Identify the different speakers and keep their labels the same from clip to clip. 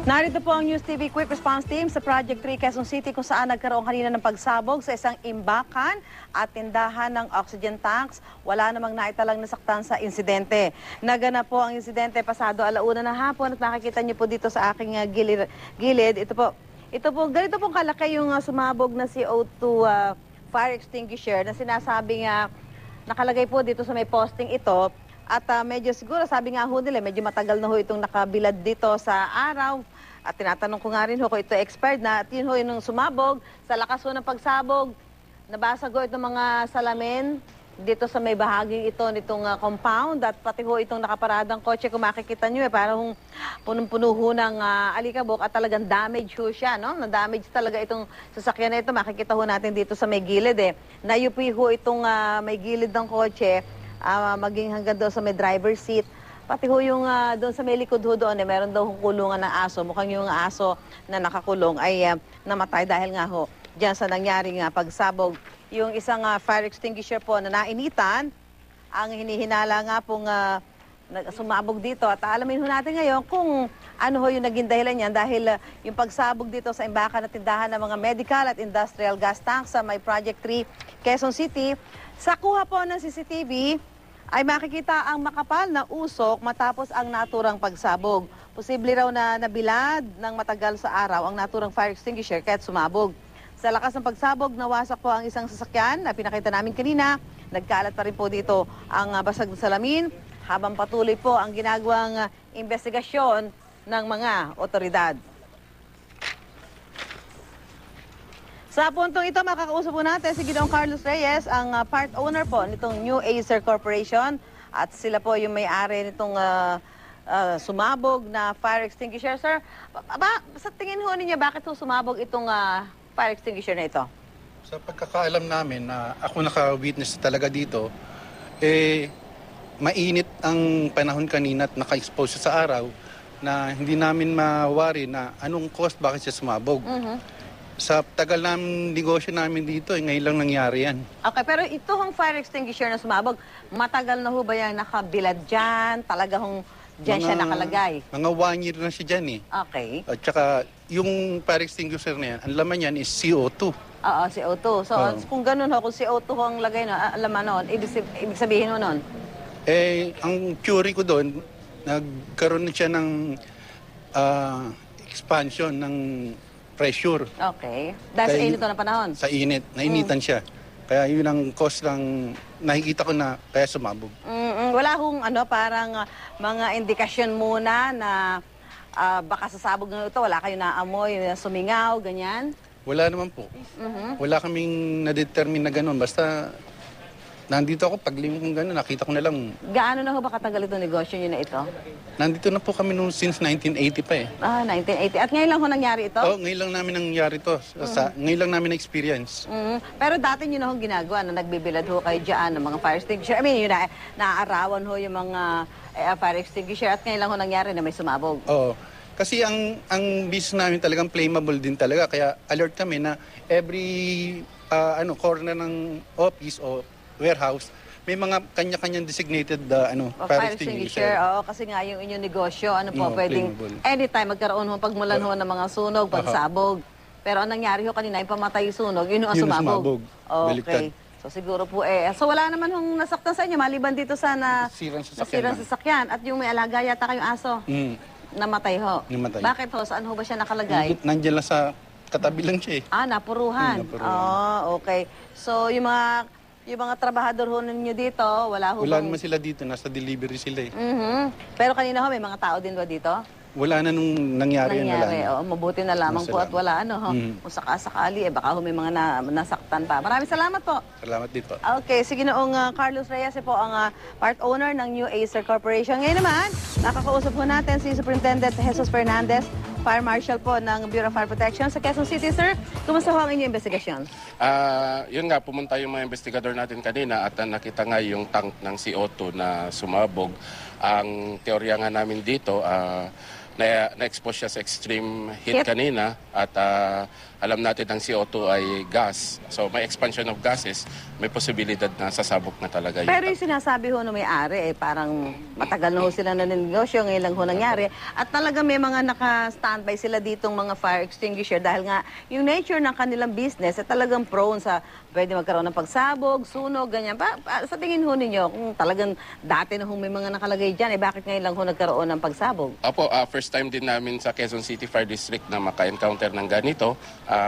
Speaker 1: Narito po ang News TV Quick Response Team sa Project 3 Quezon City kung saan nagkaroon kanina ng pagsabog sa isang imbakan at tindahan ng oxygen tanks. Wala namang naitalang nasaktan sa insidente. Naganap po ang insidente pasado alauna ng hapon at makikita niyo po dito sa aking gilid. Ito po, ganito pong kalaki yung sumabog na CO2 fire extinguisher na sinasabing nakalagay po dito sa may posting ito. At medyo siguro, sabi nga ho nila, medyo matagal na ho itong nakabilad dito sa araw. At tinatanong ko nga rin ho kung ito expired na. At yun ho yung sumabog, sa lakas ho ng pagsabog, nabasag ho itong mga salamin dito sa may bahaging ito nitong compound. At pati ho itong nakaparadang kotse, kung makikita nyo parang punong-puno ho ng alikabok at talagang damage ho siya, no? Na-damage talaga itong sasakyan na ito. Makikita ho natin dito sa may gilid Nayupi ho itong may gilid ng kotse. Maging hanggang doon sa may driver's seat. Pati ho yung doon sa may likod ho doon, meron daw kulungan ng aso. Mukhang yung aso na nakakulong ay namatay dahil nga ho dyan sa nangyaring pagsabog. Yung isang fire extinguisher po na nainitan, ang hinihinala nga pong sumabog dito. At alamin ho natin ngayon kung ano ho yung naging dahilan niyan dahil yung pagsabog dito sa imbakan at tindahan ng mga medical at industrial gas tanks sa may Project 3 Quezon City. Sa kuha po ng CCTV ay makikita ang makapal na usok matapos ang naturang pagsabog. Posible raw na nabilad ng matagal sa araw ang naturang fire extinguisher kaya't sumabog. Sa lakas ng pagsabog, nawasak po ang isang sasakyan na pinakita namin kanina. Nagkalat pa rin po dito ang basag na salamin habang patuloy po ang ginagawang investigasyon ng mga otoridad. Sa puntong ito, makakausap po natin si Ginoong Carlos Reyes, ang part owner po nitong New Acer Corporation. At sila po yung may-ari nitong sumabog na fire extinguisher. Sir, sa tingin ho ninyo, bakit ho sumabog itong fire extinguisher na ito?
Speaker 2: Sa pagkakaalam namin na ako naka-witness talaga dito, mainit ang panahon kanina at naka-expose sa araw na hindi namin mawari na anong cause bakit siya sumabog. Sa tagal ng negosyo namin dito, ngayon lang nangyari yan.
Speaker 1: Okay, pero ito hong fire extinguisher na sumabog, matagal na ho ba yan nakabilad dyan? Talaga hong dyan siya nakalagay?
Speaker 2: Mga 1 year na siya dyan
Speaker 1: Okay.
Speaker 2: At saka yung fire extinguisher na yan, ang laman yan is CO2.
Speaker 1: Oo, CO2. So, kung ganun ho, kung CO2 ho ang lagay na, laman nun, ibig sabihin ho nun?
Speaker 2: Ang theory ko doon, nagkaroon na siya ng expansion ng pressure.
Speaker 1: Okay. Dahil sa init na panahon? Sa
Speaker 2: init. Nainitan siya. Kaya yun ang cause ng nakikita ko na kaya sumabog.
Speaker 1: Wala hong parang mga indikasyon muna na baka sasabog na ito, wala kayo naamoy, sumingaw, ganyan?
Speaker 2: Wala naman po. Wala kaming na-determine na gano'n. Basta nandito ako, paglingon kong gano'n, nakita ko na lang.
Speaker 1: Gaano na ho ba katagal itong negosyo nyo na ito?
Speaker 2: Nandito na po kami noon since 1980 pa
Speaker 1: 1980. At ngayon lang ho nangyari ito?
Speaker 2: Oo, ngayon lang namin nangyari ito. Ngayon lang namin na-experience.
Speaker 1: Pero dati nyo na ho ginagawa na nagbibilad ho kayo dyan ng mga fire extinguisher. I mean, yun naaarawan ho yung mga fire extinguisher at ngayon lang ho nangyari na may sumabog.
Speaker 2: Oo. Kasi ang business namin talagang flammable din talaga. Kaya alert kami na every corner ng office o warehouse, may mga kanya-kanyang designated fire extinguisher.
Speaker 1: Oo, kasi nga yung inyong negosyo, pwedeng
Speaker 2: flammable.
Speaker 1: Anytime magkaroon ho pagmulan ho ng mga sunog, pagsabog. Pero ang nangyari ho kanina, yung pamatay yung sunog, yun ang sumabog.
Speaker 2: Baliktad.
Speaker 1: Okay. So siguro po So wala naman hong nasaktan sa inyo, maliban dito sa nasirang sasakyan. At yung may alaga yata kayong aso, namatay ho.
Speaker 2: Namatay.
Speaker 1: Bakit ho? Saan ho ba siya nakalagay?
Speaker 2: Nandiyan lang sa katabi lang siya
Speaker 1: Napuruhan. Okay. So yung mga trabahador ho ninyo dito, wala ho
Speaker 2: Wala naman sila dito, nasa delivery sila
Speaker 1: Pero kanina ho, may mga tao din ba dito?
Speaker 2: Wala na nung nangyari.
Speaker 1: Mabuti na lamang po at wala kung sakasakali, baka ho may mga nasaktan pa. Maraming salamat po.
Speaker 2: Salamat dito.
Speaker 1: Okay, sige noong Carlos Reyes po ang part owner ng New Acer Corporation. Ngayon naman, nakakausap po natin si Superintendent Jesus Fernandez, Fire Marshal po ng Bureau of Fire Protection sa Quezon City. Sir, kumusta ho ang inyong investigasyon?
Speaker 3: Yun nga, pumunta yung mga investigador natin kanina at nakita nga yung tank ng CO2 na sumabog. Ang teorya nga namin dito, na-expose siya sa extreme heat
Speaker 1: Heat.
Speaker 3: kanina at alam natin ang CO2 ay gas. So may expansion of gases, may posibilidad na sasabog na talaga yun.
Speaker 1: Pero yung sinasabi ho na may-ari, parang matagal na ho sila na negosyo, ngayon lang ho nangyari. At talaga may mga naka-standby sila ditong mga fire extinguisher dahil nga yung nature ng kanilang business ay talagang prone sa pwede magkaroon ng pagsabog, sunog, ganyan. Sa tingin ho ninyo, kung talagang dati na ho may mga nakalagay dyan, bakit ngayon lang ho nagkaroon ng pagsabog?
Speaker 3: Opo, first time din namin sa Quezon City Fire District na maka-encounter ng ganito.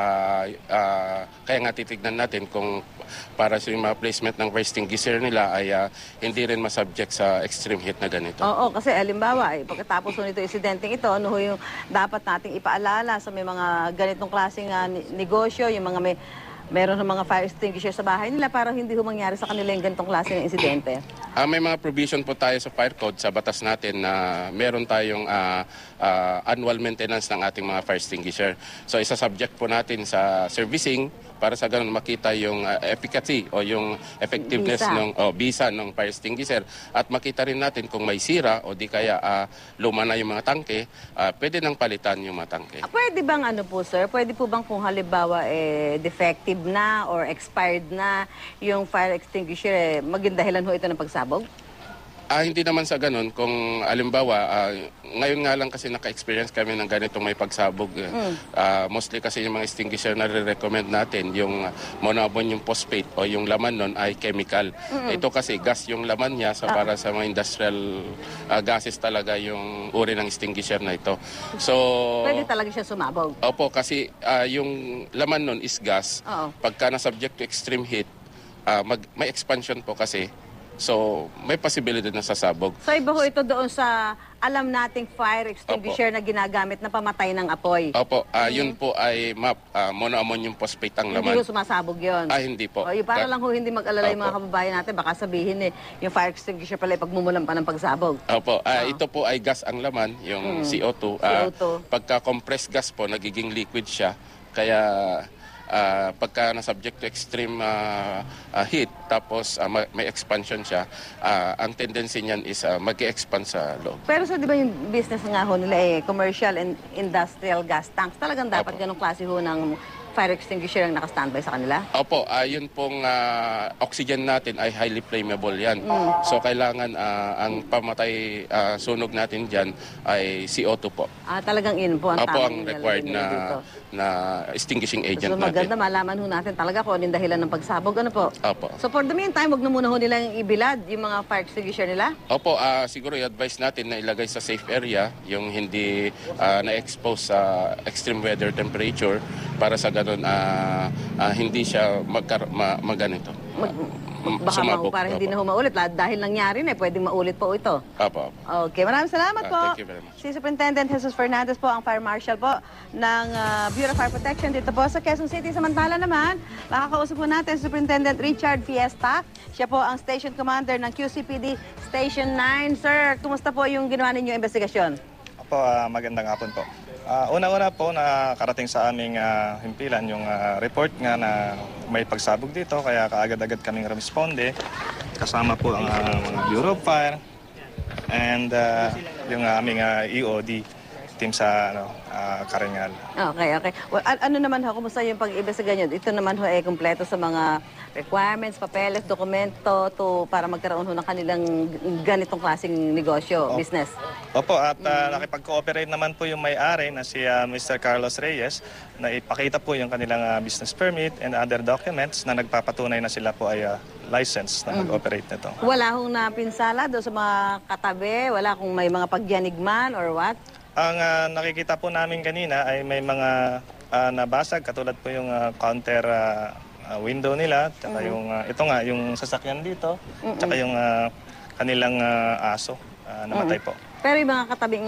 Speaker 3: Kaya nga titignan natin kung para sa yung mga placement ng fire extinguisher nila ay hindi rin masubject sa extreme heat na ganito.
Speaker 1: Oo, kasi halimbawa, pagkatapos ho nito insidenteng ito, ano ho yung dapat nating ipaalala sa may mga ganitong klaseng negosyo, yung mga meron ng mga fire extinguisher sa bahay nila para hindi ho mangyari sa kanila yung ganitong klase ng insidente?
Speaker 3: May mga provision po tayo sa fire code, sa batas natin na meron tayong annual maintenance ng ating mga fire extinguisher. So isa-subject po natin sa servicing para sa ganun makita yung efficacy o yung effectiveness ng bisa ng fire extinguisher at makita rin natin kung may sira o di kaya luma na yung mga tangke, pwede nang palitan yung mga tangke.
Speaker 1: Pwede bang ano po sir, pwede po bang kung halimbawa defective na or expired na yung fire extinguisher, maging dahilan ho ito ng pagsabog?
Speaker 3: Hindi naman sa ganun. Kung alimbawa, ngayon nga lang kasi naka-experience kami ng ganitong may pagsabog. Mostly kasi yung mga extinguisher na re-recommend natin, yung monoammonium phosphate o yung laman nun ay chemical. Ito kasi gas yung laman niya para sa mga industrial gases talaga yung uri ng extinguisher na ito. So,
Speaker 1: Pwede talaga siya sumabog?
Speaker 3: Opo, kasi yung laman nun is gas.
Speaker 1: Oo.
Speaker 3: Pagka na-subject to extreme heat, may expansion po kasi. So, may posibilidad na sasabog.
Speaker 1: So iba ho ito doon sa alam nating fire extinguisher na ginagamit na pamatay ng apoy.
Speaker 3: Opo, yun po ay monoammonium phosphate ang
Speaker 1: Hindi
Speaker 3: laman.
Speaker 1: ho sumasabog yun.
Speaker 3: Hindi po.
Speaker 1: O, yung para lang ho hindi mag-alala yung mga
Speaker 3: Opo.
Speaker 1: kababayan natin, baka sabihin yung fire extinguisher pala pagmumulan pa ng pagsabog.
Speaker 3: Opo, ito po ay gas ang laman, yung CO2.
Speaker 1: CO2.
Speaker 3: Pagka compressed gas po, nagiging liquid siya. Kaya pagka na-subject to extreme heat, tapos may expansion siya, ang tendency niyan is mag-expand sa loob.
Speaker 1: Pero so di ba yung business nga ho nila commercial and industrial gas tanks, talagang dapat
Speaker 3: Opo.
Speaker 1: ganong klase ho ng fire extinguisher ang naka-standby sa kanila?
Speaker 3: Opo, yun pong oxygen natin ay highly flammable yan. So kailangan ang pamatay sunog natin dyan ay CO2 po.
Speaker 1: Talagang yun po ang
Speaker 3: Opo, ang
Speaker 1: tamang
Speaker 3: required
Speaker 1: nilalagay nila dito.
Speaker 3: na extinguishing agent
Speaker 1: So maganda
Speaker 3: natin.
Speaker 1: malaman ho natin talaga kung anong dahilan ng pagsabog. Ano po?
Speaker 3: Opo.
Speaker 1: So for the meantime, wag na muna ho nilang ibilad yung mga fire extinguisher nila?
Speaker 3: Opo, siguro i-advise natin na ilagay sa safe area yung hindi na-expose sa extreme weather temperature para sa ganun hindi siya magganito.
Speaker 1: Baka
Speaker 3: Sumabog.
Speaker 1: para hindi
Speaker 3: Opo.
Speaker 1: na ho maulit. Dahil nangyari na, pwedeng maulit po ito.
Speaker 3: Opo.
Speaker 1: Okay, maraming salamat po.
Speaker 3: Thank you very much.
Speaker 1: Si Superintendent Jesus Fernandez po, ang Fire Marshal po ng Bureau of Fire Protection dito po sa Quezon City. Samantala naman, makakausap po natin si Superintendent Richard Fiesta. Siya po ang Station Commander ng QCPD Station 9. Sir, kumusta po yung ginawa ninyong investigasyon?
Speaker 4: Opo, magandang hapon po. Una-una po nakarating sa aming himpilan yung report nga na may pagsabog dito kaya kaagad-agad kaming responde kasama po ang mga Bureau of Fire and yung aming EOD team sa Karingal.
Speaker 1: Okay. Well, ano naman ho, kumusta yung pag-imbestiga nyo? Ito naman ho kumpleto sa mga requirements, papeles, dokumento para magkaroon ho ng kanilang ganitong klaseng negosyo, business.
Speaker 4: Opo, at nakipag-cooperate naman po yung may-ari na si Mr. Carlos Reyes na ipakita po yung kanilang business permit and other documents na nagpapatunay na sila po ay license na mag-operate nito.
Speaker 1: Wala hong napinsala doon sa mga katabi? Wala kung may mga pagyanigman or what?
Speaker 4: Ang nakikita po namin kanina ay may mga nabasag katulad po yung counter window nila, tsaka yung ito nga yung sasakyan dito, tsaka yung kanilang aso namatay po.
Speaker 1: Pero yung mga katabing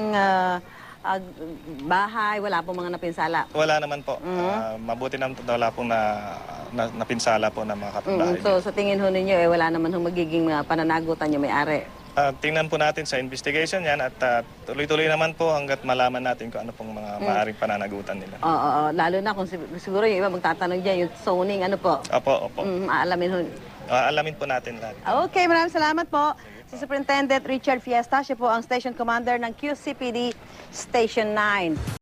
Speaker 1: bahay, wala pong mga napinsala?
Speaker 4: Wala naman po. Mabuti naman po wala pong napinsala po ng mga kapitbahay.
Speaker 1: So sa tingin ho ninyo, wala naman ho magiging pananagutan yung may-ari?
Speaker 4: Tingnan po natin sa investigation yan at tuloy-tuloy naman po hanggat malaman natin kung ano pong mga maaaring pananagutan nila.
Speaker 1: Oo, lalo na kung siguro yung iba magtatanong dyan, yung zoning, ano po?
Speaker 4: Opo.
Speaker 1: Aalamin ho.
Speaker 4: Alamin po natin lahat.
Speaker 1: Okay, maraming salamat po. Si Superintendent Richard Fiesta, siya po ang Station Commander ng QCPD Station 9.